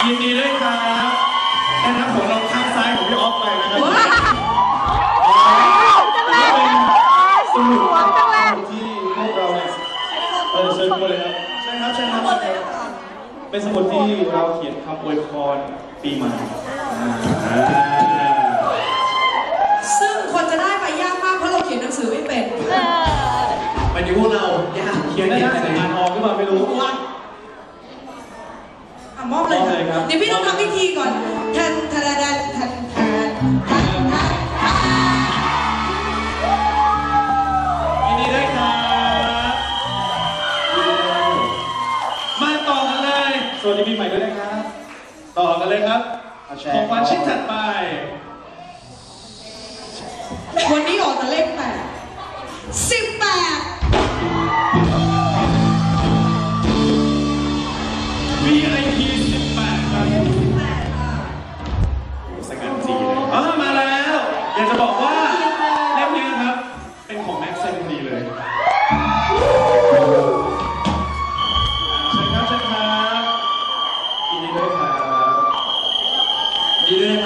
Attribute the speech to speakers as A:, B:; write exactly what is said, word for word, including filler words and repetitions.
A: ยินดีด้วยครับแค่นับของเราข้างซ้ายของพี่ออฟไปนะครับสนุกที่พวกเราเนี่ยเออเชิญมาเลยครับใช่ครับใช่ครับเป็นสมุดที่เราเขียนคำอวยพรปีใหม่
B: ซึ่งคนจะได้ไปยากมากเพราะเราเขียนหนังสือไม่เป็น
A: ไปดูพวกเราเขียนได้แต่อ่านออกหรือเปล่าไม่รู้ว่า
B: อ่ะมอบเลยครับเดี๋ยวพี่ต้องทำพิธีก่อนแทนแทนแทนแทนแทนแทนแทน
A: ยินดีด้วยครับมาต่อกันเลยสวัสดีปีใหม่ด้วยนะครับต่อกันเลยครับของขวัญชิ้นถัดไป
B: วันนี้ออกแต่เลขแปดสิบแปด
A: วี ไอ พี สิบแปดครับสกัดจีเลยอ๋อมาแล้วอยากจะบอกว่าเล่มนี้ครับเป็นของแม็กซ์เซนดีเลยเชิญครับเชิญครับยินดีด้วยครับยินดีด้วย